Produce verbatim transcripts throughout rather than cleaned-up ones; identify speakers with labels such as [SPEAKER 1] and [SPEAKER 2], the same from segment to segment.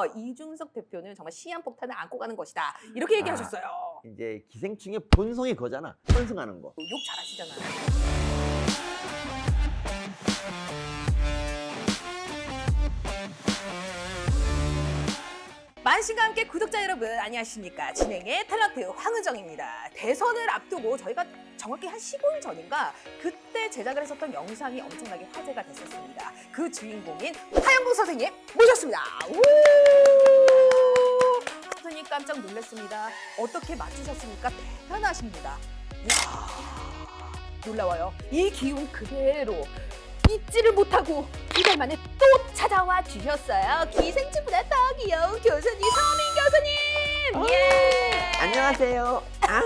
[SPEAKER 1] 대해서 이중석 대표는 정말 시한폭탄을 안고 가는 것이다. 이렇게 얘기하셨어요.
[SPEAKER 2] 아, 이제 기생충의 본성이 거잖아. 편승하는 거.
[SPEAKER 1] 욕 잘하시잖아요. 만신과 함께 구독자 여러분 안녕하십니까. 진행의 탤런트 황은정입니다. 대선을 앞두고 저희가 정확히 한 십오 일 전인가 그때 제작을 했었던 영상이 엄청나게 화제가 됐었습니다. 그 주인공인 하영국 선생님 모셨습니다. 우! 선생님 깜짝 놀랐습니다. 어떻게 맞추셨습니까? 대단하십니다. 이야, 놀라워요. 이 기운 그대로 잊지를 못하고 두 달 만에 또 찾아와 주셨어요. 기생충보다 더 귀여운 교수님 서민 교수님. 예.
[SPEAKER 2] 안녕하세요. 아.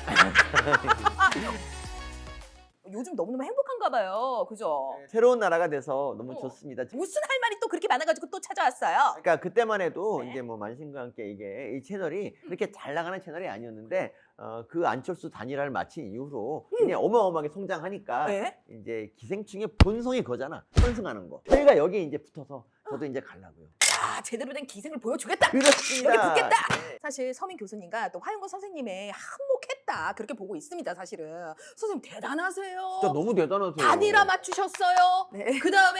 [SPEAKER 1] 요즘 너무너무 행복한가 봐요. 그죠?
[SPEAKER 2] 새로운 나라가 돼서 너무
[SPEAKER 1] 어.
[SPEAKER 2] 좋습니다.
[SPEAKER 1] 무슨 할 말이 또 그렇게 많아가지고 또 찾아왔어요.
[SPEAKER 2] 그러니까 그때만 해도
[SPEAKER 1] 네.
[SPEAKER 2] 이제 뭐 만신과 함께 이게 이 채널이 그렇게 잘 나가는 채널이 아니었는데 어, 그 안철수 단일화를 마친 이후로
[SPEAKER 1] 음.
[SPEAKER 2] 이제 어마어마하게 성장하니까
[SPEAKER 1] 네.
[SPEAKER 2] 이제 기생충의 본성이 거잖아. 편승하는 거. 저희가 여기 이제 붙어서 저도 이제 가려고요.
[SPEAKER 1] 야, 제대로 된 기생을 보여주겠다.
[SPEAKER 2] 그렇습니다.
[SPEAKER 1] 여기 붙겠다.
[SPEAKER 2] 네.
[SPEAKER 1] 사실 서민 교수님과 또 화영권 선생님의 한몫했다. 그렇게 보고 있습니다. 사실은. 선생님 대단하세요.
[SPEAKER 2] 진짜 너무 대단하세요.
[SPEAKER 1] 단일화 맞추셨어요.
[SPEAKER 3] 네.
[SPEAKER 1] 그 다음에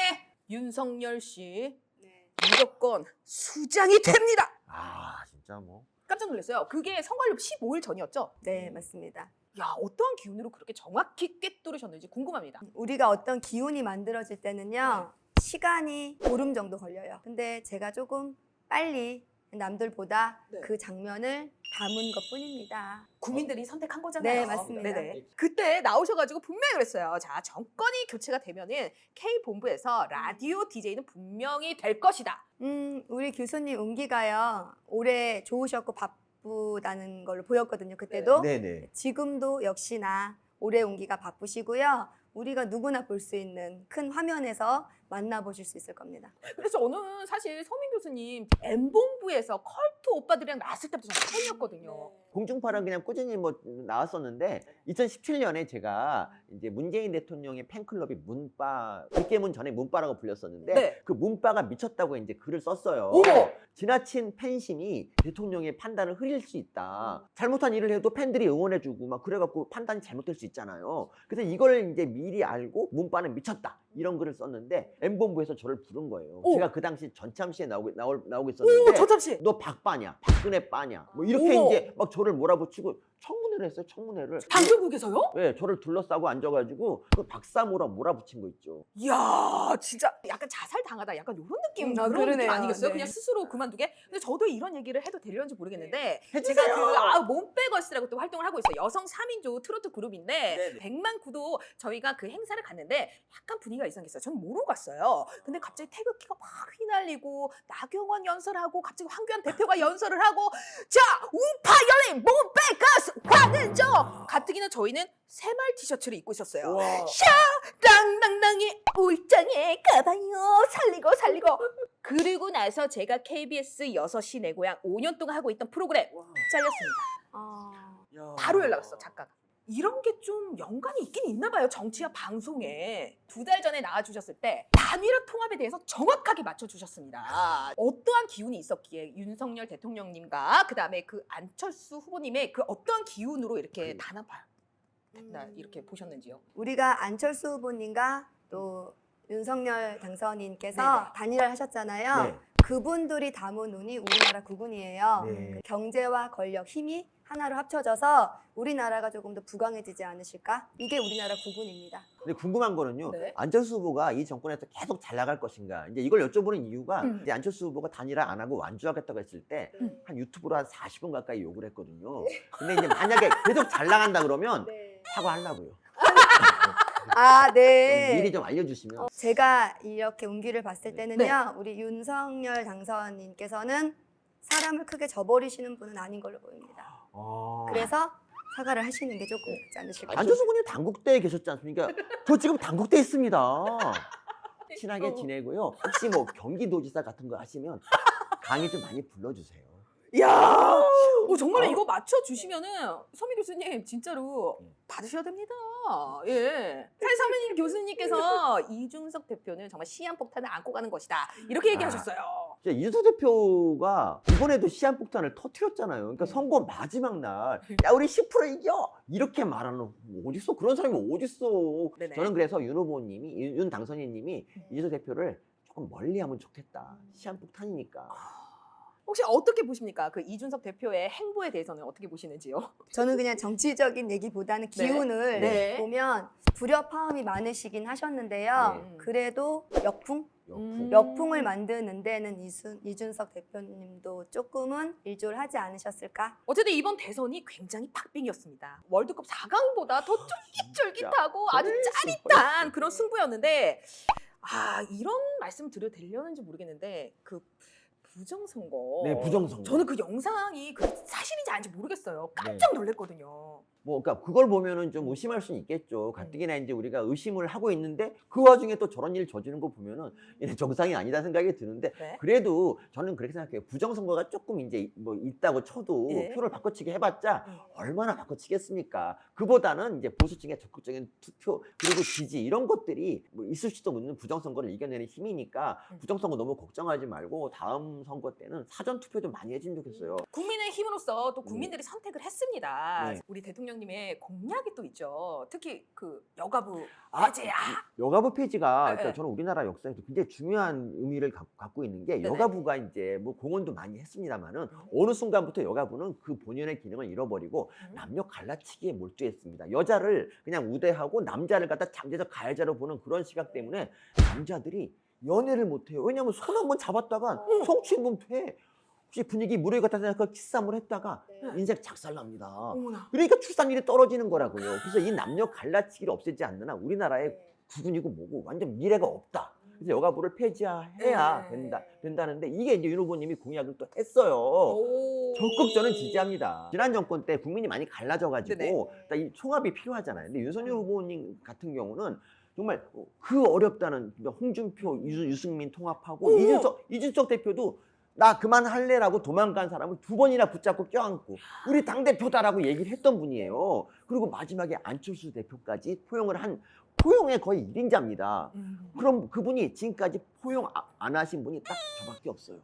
[SPEAKER 1] 윤석열 씨
[SPEAKER 3] 네.
[SPEAKER 1] 무조건 수장이 됩니다.
[SPEAKER 2] 아 진짜 뭐.
[SPEAKER 1] 깜짝 놀랐어요. 그게 선거일로 십오 일 전이었죠?
[SPEAKER 3] 네, 맞습니다.
[SPEAKER 1] 야, 어떠한 기운으로 그렇게 정확히 꿰뚫으셨는지 궁금합니다.
[SPEAKER 3] 우리가 어떤 기운이 만들어질 때는요, 시간이 보름 정도 걸려요. 근데 제가 조금 빨리 남들보다
[SPEAKER 1] 네.
[SPEAKER 3] 그 장면을 담은 것 뿐입니다.
[SPEAKER 1] 국민들이 선택한 거잖아요.
[SPEAKER 3] 네, 맞습니다.
[SPEAKER 1] 네네. 그때 나오셔가지고 분명히 그랬어요. 자, 정권이 교체가 되면은 K본부에서 라디오 디제이는 분명히 될 것이다.
[SPEAKER 3] 음, 우리 교수님 운기가요, 올해 좋으셨고 바쁘다는 걸로 보였거든요, 그때도.
[SPEAKER 2] 네네.
[SPEAKER 3] 지금도 역시나 올해 운기가 바쁘시고요. 우리가 누구나 볼 수 있는 큰 화면에서 만나보실 수 있을 겁니다.
[SPEAKER 1] 그래서 저는 사실 서민 교수님 M본부에서 컬트 오빠들이랑 나왔을 때부터 저는 팬이었거든요.
[SPEAKER 2] 공중파랑 그냥 꾸준히 뭐 나왔었는데 이천십칠 년에 제가 이제 문재인 대통령의 팬클럽이 문바, 백개문 전에 문바라고 불렸었는데
[SPEAKER 1] 네.
[SPEAKER 2] 그 문바가 미쳤다고 이제 글을 썼어요.
[SPEAKER 1] 어머!
[SPEAKER 2] 지나친 팬심이 대통령의 판단을 흐릴 수 있다. 잘못한 일을 해도 팬들이 응원해주고 막 그래갖고 판단이 잘못될 수 있잖아요. 그래서 이걸 이제 미리 알고 문바는 미쳤다. 이런 글을 썼는데 M본부에서 저를 부른 거예요.
[SPEAKER 1] 오.
[SPEAKER 2] 제가 그 당시 전참시에 나오고, 나오, 나오고
[SPEAKER 1] 오,
[SPEAKER 2] 있었는데
[SPEAKER 1] 저참 씨.
[SPEAKER 2] 너 박빠냐, 박근혜 빠냐, 뭐 이렇게
[SPEAKER 1] 어머.
[SPEAKER 2] 이제 막 저를 몰아붙이고 청문회를 했어요. 청문회를.
[SPEAKER 1] 방송국에서요?
[SPEAKER 2] 네, 저를 둘러싸고 앉아가지고 그 박사모라 몰아붙인 거 있죠.
[SPEAKER 1] 이야, 진짜 약간 자살 당하다, 약간 이런 느낌,
[SPEAKER 3] 음,
[SPEAKER 1] 그런 느낌
[SPEAKER 3] 그러네요.
[SPEAKER 1] 아니겠어요?
[SPEAKER 3] 네.
[SPEAKER 1] 그냥 스스로 그만두게. 근데 저도 이런 얘기를 해도 되려는지 모르겠는데
[SPEAKER 2] 해주세요.
[SPEAKER 1] 제가 그 아, 몸빼걸스라고 또 활동을 하고 있어요. 여성 삼 인조 트로트 그룹인데
[SPEAKER 2] 네네.
[SPEAKER 1] 백만 구도 저희가 그 행사를 갔는데 약간 분위기가 이상했어요. 저는 모르고 갔어요. 근데 갑자기 태극기가 막 휘날리고 나경원 연설하고 갑자기 황교안 대표가 연설을 하고 자, 우파 연예인 몸빼걸스 황은정. 가뜩이나 저희는 새말 티셔츠를 입고 있었어요.
[SPEAKER 2] 와.
[SPEAKER 1] 땅땅땅이 울장에 가봐요. 살리고 살리고. 그리고 나서 제가 케이비에스 여섯 시 내 고향 오 년 동안 하고 있던 프로그램 잘렸습니다.
[SPEAKER 3] 아,
[SPEAKER 1] 바로 연락 왔어, 작가가. 이런 게 좀 연관이 있긴 있나 봐요. 정치와 방송에. 두 달 전에 나와주셨을 때 단일화 통합에 대해서 정확하게 맞춰주셨습니다. 어떠한 기운이 있었기에 윤석열 대통령님과 그다음에 그 안철수 후보님의 그 어떠한 기운으로 이렇게
[SPEAKER 2] 그-
[SPEAKER 1] 단합할 된다 이렇게 보셨는지요?
[SPEAKER 3] 우리가 안철수 후보님과 또 윤석열 당선인께서
[SPEAKER 1] 네네.
[SPEAKER 3] 단일화를 하셨잖아요.
[SPEAKER 2] 네.
[SPEAKER 3] 그분들이 담은 운이 우리나라 국운이에요.
[SPEAKER 2] 네.
[SPEAKER 3] 경제와 권력, 힘이 하나로 합쳐져서 우리나라가 조금 더 부강해지지 않으실까? 이게 우리나라 국운입니다.
[SPEAKER 2] 근데 궁금한 거는요.
[SPEAKER 1] 네.
[SPEAKER 2] 안철수 후보가 이 정권에서 계속 잘 나갈 것인가. 이제 이걸 여쭤보는 이유가
[SPEAKER 1] 음.
[SPEAKER 2] 이제 안철수 후보가 단일화 안 하고 완주하겠다고 했을 때 한
[SPEAKER 1] 음.
[SPEAKER 2] 유튜브로 한 사십 분 가까이 욕을 했거든요. 근데 이제 만약에 계속 잘 나간다 그러면
[SPEAKER 3] 네.
[SPEAKER 2] 사과하려고요.
[SPEAKER 3] 아, 네.
[SPEAKER 2] 미리 좀 알려주시면.
[SPEAKER 3] 어, 제가 이렇게 운기를 봤을 때는요,
[SPEAKER 1] 네.
[SPEAKER 3] 우리 윤석열 당선인께서는 사람을 크게 저버리시는 분은 아닌 걸로 보입니다.
[SPEAKER 2] 아.
[SPEAKER 3] 그래서 사과를 하시는 게 조금 낫지 않으실까?
[SPEAKER 2] 안철수 군이 당국대에 계셨지 않습니까? 저 지금 당국대에 있습니다. 친하게
[SPEAKER 1] 어.
[SPEAKER 2] 지내고요. 혹시 뭐 경기도지사 같은 거 하시면 강의 좀 많이 불러주세요.
[SPEAKER 1] 이야, 오, 정말로
[SPEAKER 2] 어?
[SPEAKER 1] 이거 맞춰주시면은 서민 교수님 진짜로
[SPEAKER 2] 음.
[SPEAKER 1] 받으셔야 됩니다. 예. 사실 서민 교수님께서 이중석 대표는 정말 시한폭탄을 안고 가는 것이다. 이렇게 얘기하셨어요.
[SPEAKER 2] 진짜 이준석 대표가 이번에도 시한폭탄을 터뜨렸잖아요. 그러니까 선거 마지막 날, 야 우리 십 퍼센트 이겨 이렇게 말하는 어딨어? 그런 사람이 어딨어?
[SPEAKER 1] 네네.
[SPEAKER 2] 저는 그래서 윤 후보님이 윤, 윤 당선인님이
[SPEAKER 1] 음.
[SPEAKER 2] 이준석 대표를 조금 멀리하면 좋겠다. 시한폭탄이니까.
[SPEAKER 1] 혹시 어떻게 보십니까? 그 이준석 대표의 행보에 대해서는 어떻게 보시는지요?
[SPEAKER 3] 저는 그냥 정치적인 얘기보다는
[SPEAKER 1] 네.
[SPEAKER 3] 기운을
[SPEAKER 1] 네.
[SPEAKER 3] 보면 불협화음이 많으시긴 하셨는데요.
[SPEAKER 1] 네.
[SPEAKER 3] 그래도 역풍?
[SPEAKER 2] 역풍.
[SPEAKER 1] 음.
[SPEAKER 3] 역풍을 만드는 데는 이순, 이준석 대표님도 조금은 일조를 하지 않으셨을까?
[SPEAKER 1] 어쨌든 이번 대선이 굉장히 팍빙이었습니다. 월드컵 사 강보다 더 쫄깃쫄깃하고 아주 짜릿한 그런 승부였는데 아 이런 말씀 드려도 되려는지 모르겠는데 그 부정선거.
[SPEAKER 2] 네, 부정선거.
[SPEAKER 1] 저는 그 영상이 그 사실인지 아닌지 모르겠어요. 깜짝 놀랐거든요.
[SPEAKER 2] 뭐, 그러니까 그걸 보면은 좀 의심할 수는 있겠죠. 가뜩이나 이제 우리가 의심을 하고 있는데 그 와중에 또 저런 일 저지른 거 보면은 얘는 정상이 아니다 생각이 드는데
[SPEAKER 1] 네.
[SPEAKER 2] 그래도 저는 그렇게 생각해요. 부정선거가 조금 이제 뭐 있다고 쳐도
[SPEAKER 1] 예.
[SPEAKER 2] 표를 바꿔치기 해봤자
[SPEAKER 1] 음.
[SPEAKER 2] 얼마나 바꿔치겠습니까? 그보다는 이제 보수층의 적극적인 투표 그리고 지지 이런 것들이 뭐 있을 수도 없는 부정선거를 이겨내는 힘이니까
[SPEAKER 1] 음.
[SPEAKER 2] 부정선거 너무 걱정하지 말고 다음 선거 때는 사전 투표 좀 많이 해주면 좋겠어요.
[SPEAKER 1] 국민의 힘으로서 또 국민들이 선택을 했습니다.
[SPEAKER 2] 네.
[SPEAKER 1] 우리 대통령님의 공약이 또 있죠. 특히 그 여가부
[SPEAKER 2] 아,
[SPEAKER 1] 해제야.
[SPEAKER 2] 여가부 폐지가
[SPEAKER 1] 네,
[SPEAKER 2] 그러니까
[SPEAKER 1] 네.
[SPEAKER 2] 저는 우리나라 역사에서 굉장히 중요한 의미를 가- 갖고 있는 게
[SPEAKER 1] 네네.
[SPEAKER 2] 여가부가 이제 뭐 공헌도 많이 했습니다만은 어느 순간부터 여가부는 그 본연의 기능을 잃어버리고
[SPEAKER 1] 음.
[SPEAKER 2] 남녀 갈라치기에 몰두했습니다. 여자를 그냥 우대하고 남자를 갖다 잠재적 가해자로 보는 그런 시각 때문에 남자들이 연애를 못해요. 왜냐하면 손 한 번 잡았다가
[SPEAKER 1] 어.
[SPEAKER 2] 성추행범 돼. 혹시 분위기 무료에 갖다 대고 키스 한번 했다가
[SPEAKER 1] 네.
[SPEAKER 2] 인생 작살납니다.
[SPEAKER 1] 어머나.
[SPEAKER 2] 그러니까 출산율이 떨어지는 거라고요. 그래서 이 남녀 갈라치기를 없애지 않는 한 우리나라의
[SPEAKER 1] 네.
[SPEAKER 2] 국군이고 뭐고 완전 미래가 없다. 그래서 여가부를 폐지해야
[SPEAKER 1] 네.
[SPEAKER 2] 된다, 된다는데 이게 이제 윤 후보님이 공약을 또 했어요.
[SPEAKER 1] 오.
[SPEAKER 2] 적극 저는 지지합니다. 지난 정권 때 국민이 많이 갈라져가지고
[SPEAKER 1] 네네.
[SPEAKER 2] 일단 이 총합이 필요하잖아요. 근데 윤석열 후보님 같은 경우는 정말 그 어렵다는 홍준표, 유, 유승민 통합하고
[SPEAKER 1] 어머.
[SPEAKER 2] 이준석, 이준석 대표도 나 그만할래라고 도망간 사람을 두 번이나 붙잡고 껴안고 우리 당대표다라고 얘기를 했던 분이에요. 그리고 마지막에 안철수 대표까지 포용을 한 포용의 거의 일 인자입니다.
[SPEAKER 1] 음.
[SPEAKER 2] 그럼 그분이 지금까지 포용 아- 안 하신 분이 딱 저밖에 없어요.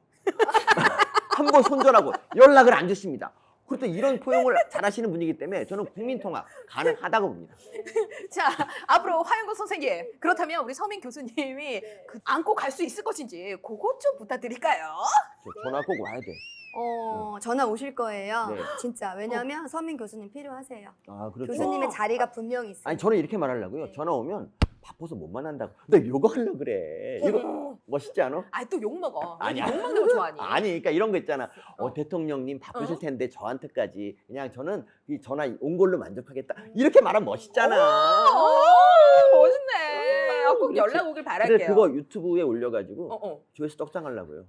[SPEAKER 2] 한 번 손절하고 연락을 안 주십니다. 그것도 이런 포용을 잘하시는 분이기 때문에 저는 국민통합 가능하다고 봅니다.
[SPEAKER 1] 자, 앞으로 화영국 선생님. 그렇다면 우리 서민 교수님이 그 안고 갈 수 있을 것인지 그것 좀 부탁드릴까요?
[SPEAKER 2] 저 전화 꼭 와야 돼.
[SPEAKER 3] 어, 전화 오실 거예요.
[SPEAKER 2] 네.
[SPEAKER 3] 진짜. 왜냐하면 서민 교수님 필요하세요.
[SPEAKER 2] 아 그렇죠.
[SPEAKER 3] 교수님의
[SPEAKER 1] 어.
[SPEAKER 3] 자리가 분명히 있어요.
[SPEAKER 2] 아니 저는 이렇게 말하려고요. 전화 오면 바빠서 못 만난다고. 너 이거 하려 그래. 이거
[SPEAKER 1] 어머.
[SPEAKER 2] 멋있지 않아?
[SPEAKER 1] 아, 또 욕 먹어.
[SPEAKER 2] 아니야.
[SPEAKER 1] 욕 먹는 거 좋아하니?
[SPEAKER 2] 아니 그러니까 이런 거 있잖아. 어,
[SPEAKER 1] 어.
[SPEAKER 2] 대통령님 바쁘실
[SPEAKER 1] 어?
[SPEAKER 2] 텐데 저한테까지 그냥 저는 이 전화 온 걸로 만족하겠다. 이렇게 말하면 멋있잖아.
[SPEAKER 1] 오, 멋있네. 아, 꼭
[SPEAKER 2] 그렇지.
[SPEAKER 1] 연락 오길 바랄게요.
[SPEAKER 2] 근데 그거 유튜브에 올려가지고
[SPEAKER 1] 어, 어.
[SPEAKER 2] 조회수 떡상하려고요.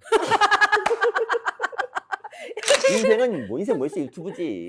[SPEAKER 2] 인생은 뭐 인생 뭐 있어 유튜브지.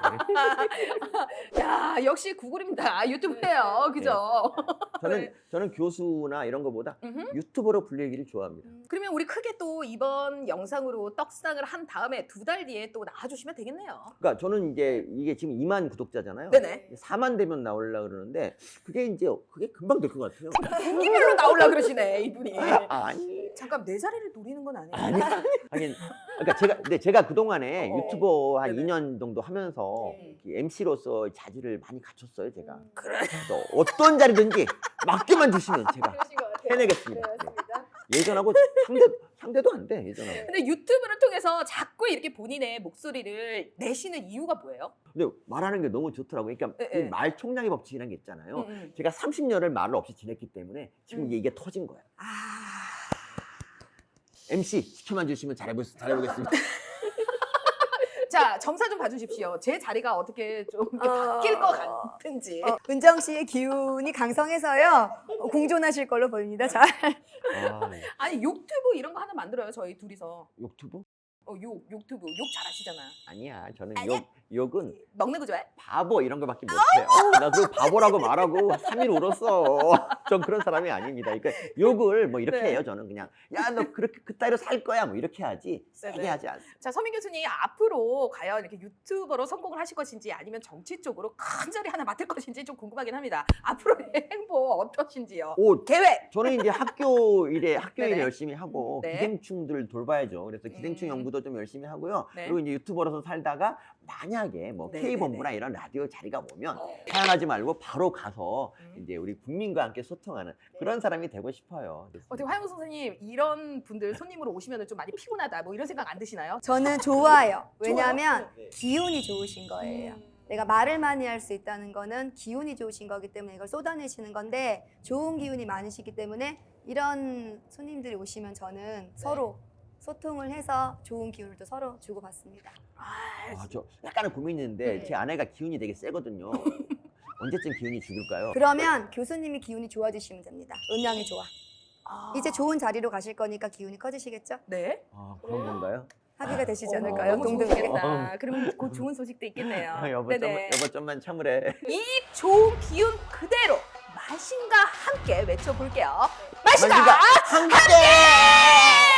[SPEAKER 1] 야, 역시 구글입니다. 유튜브예요. 그죠?
[SPEAKER 2] 저는
[SPEAKER 1] 네.
[SPEAKER 2] 저는 교수나 이런 거보다
[SPEAKER 1] 음흠.
[SPEAKER 2] 유튜버로 불리기를 좋아합니다.
[SPEAKER 1] 그러면 우리 크게 또 이번 영상으로 떡상을 한 다음에 두 달 뒤에 또 나와주시면 되겠네요.
[SPEAKER 2] 그러니까 저는 이제 이게 지금 이만 구독자잖아요.
[SPEAKER 1] 네네.
[SPEAKER 2] 사만 되면 나오려고 그러는데 그게 이제 그게 금방 될 것 같아요.
[SPEAKER 1] 분기별로 나오려 그러시네, 이분이.
[SPEAKER 2] 아, 아니.
[SPEAKER 1] 잠깐 내 자리를 노리는 건 아니에요.
[SPEAKER 2] 아니, 하긴, 그러니까 제가, 근데 제가 그동안에
[SPEAKER 1] 어, 어.
[SPEAKER 2] 유튜버 한
[SPEAKER 1] 네네.
[SPEAKER 2] 이 년 정도 하면서
[SPEAKER 1] 네.
[SPEAKER 2] 엠씨로서 자질을 많이 갖췄어요, 제가.
[SPEAKER 1] 그래.
[SPEAKER 2] 그래서 어떤 자리든지 맡겨만 주시면 제가
[SPEAKER 3] 그러신 것 같아요.
[SPEAKER 2] 해내겠습니다.
[SPEAKER 3] 네, 맞습니다.
[SPEAKER 2] 예전하고 상대, 상대도 안 돼, 예전하고.
[SPEAKER 1] 근데 유튜브를 통해서 자꾸 이렇게 본인의 목소리를 내시는 이유가 뭐예요?
[SPEAKER 2] 근데 말하는 게 너무 좋더라고요. 그러니까
[SPEAKER 1] 예,
[SPEAKER 2] 이
[SPEAKER 1] 예.
[SPEAKER 2] 말 총량의 법칙이라는 게 있잖아요.
[SPEAKER 1] 음, 음.
[SPEAKER 2] 제가 삼십 년을 말을 없이 지냈기 때문에 지금
[SPEAKER 1] 음.
[SPEAKER 2] 이게, 이게 터진 거예요.
[SPEAKER 1] 아.
[SPEAKER 2] 엠씨 시켜만 주시면 잘해보, 잘해보겠습니다.
[SPEAKER 1] 자, 점사 좀 봐주십시오. 제 자리가 어떻게 좀 이렇게
[SPEAKER 3] 어.
[SPEAKER 1] 바뀔 것 같은지.
[SPEAKER 3] 어, 은정 씨의 기운이 강성해서요. 어, 공존하실 걸로 보입니다. 잘.
[SPEAKER 2] 아,
[SPEAKER 1] 아니, 유튜브 이런 거 하나 만들어요, 저희 둘이서.
[SPEAKER 2] 유튜브?
[SPEAKER 1] 어, 욕, 유튜브 욕 잘하시잖아요.
[SPEAKER 2] 아니야, 저는
[SPEAKER 1] 아니야?
[SPEAKER 2] 욕, 욕은
[SPEAKER 1] 먹는 거 좋아해?
[SPEAKER 2] 바보 이런 거밖에 못해요. 나 그거 바보라고 말하고 삼 일 울었어. 전 그런 사람이 아닙니다. 그러니까 욕을 뭐 이렇게
[SPEAKER 1] 네.
[SPEAKER 2] 해요. 저는 그냥 야 너 그렇게 그따위로 살 거야 뭐 이렇게 하지 세게
[SPEAKER 1] 네네.
[SPEAKER 2] 하지 않습니다.
[SPEAKER 1] 자, 서민 교수님 앞으로 과연 이렇게 유튜버로 성공을 하실 것인지 아니면 정치 쪽으로 큰 자리 하나 맡을 것인지 좀 궁금하긴 합니다. 앞으로의 행보 어떠신지요?
[SPEAKER 2] 오,
[SPEAKER 1] 계획!
[SPEAKER 2] 저는 이제 학교 일에 학교 일에
[SPEAKER 1] 네네.
[SPEAKER 2] 열심히 하고
[SPEAKER 1] 네.
[SPEAKER 2] 기생충들 돌봐야죠. 그래서 기생충
[SPEAKER 1] 음.
[SPEAKER 2] 연구도 좀 열심히 하고요.
[SPEAKER 1] 네.
[SPEAKER 2] 그리고 이제 유튜버로서 살다가 만약에 뭐
[SPEAKER 1] 네네네.
[SPEAKER 2] K본부나 이런 라디오 자리가 오면
[SPEAKER 1] 어.
[SPEAKER 2] 사양하지 말고 바로 가서
[SPEAKER 1] 음.
[SPEAKER 2] 이제 우리 국민과 함께 소통하는 그런 사람이 되고 싶어요.
[SPEAKER 1] 어떻게 화영우 선생님 이런 분들 손님으로 오시면 좀 많이 피곤하다 뭐 이런 생각 안 드시나요?
[SPEAKER 3] 저는 좋아요. 왜냐하면
[SPEAKER 2] 네.
[SPEAKER 3] 기운이 좋으신 거예요.
[SPEAKER 1] 음.
[SPEAKER 3] 내가 말을 많이 할 수 있다는 거는 기운이 좋으신 거기 때문에 이걸 쏟아내시는 건데 좋은 기운이 많으시기 때문에 이런 손님들이 오시면 저는 서로 소통을 해서 좋은 기운을 또 서로 주고받습니다.
[SPEAKER 1] 아,
[SPEAKER 2] 아, 저 약간은 고민이 있는데
[SPEAKER 1] 네.
[SPEAKER 2] 제 아내가 기운이 되게 세거든요. 언제쯤 기운이 죽을까요?
[SPEAKER 3] 그러면 교수님이 기운이 좋아지시면 됩니다. 음양이 좋아.
[SPEAKER 1] 아.
[SPEAKER 3] 이제 좋은 자리로 가실 거니까 기운이 커지시겠죠?
[SPEAKER 1] 네.
[SPEAKER 2] 아, 그런 건가요?
[SPEAKER 3] 합의가 되시지
[SPEAKER 1] 어,
[SPEAKER 3] 않을까요?
[SPEAKER 1] 너무
[SPEAKER 3] 동등하게.
[SPEAKER 1] 좋으시겠다. 그러면 곧 좋은 소식도 있겠네요.
[SPEAKER 2] 아, 여보, 좀,
[SPEAKER 1] 네네.
[SPEAKER 2] 여보 좀만 참으래.
[SPEAKER 1] 이 좋은 기운 그대로 마신과 함께 외쳐볼게요. 마신과
[SPEAKER 2] 만신과 함께!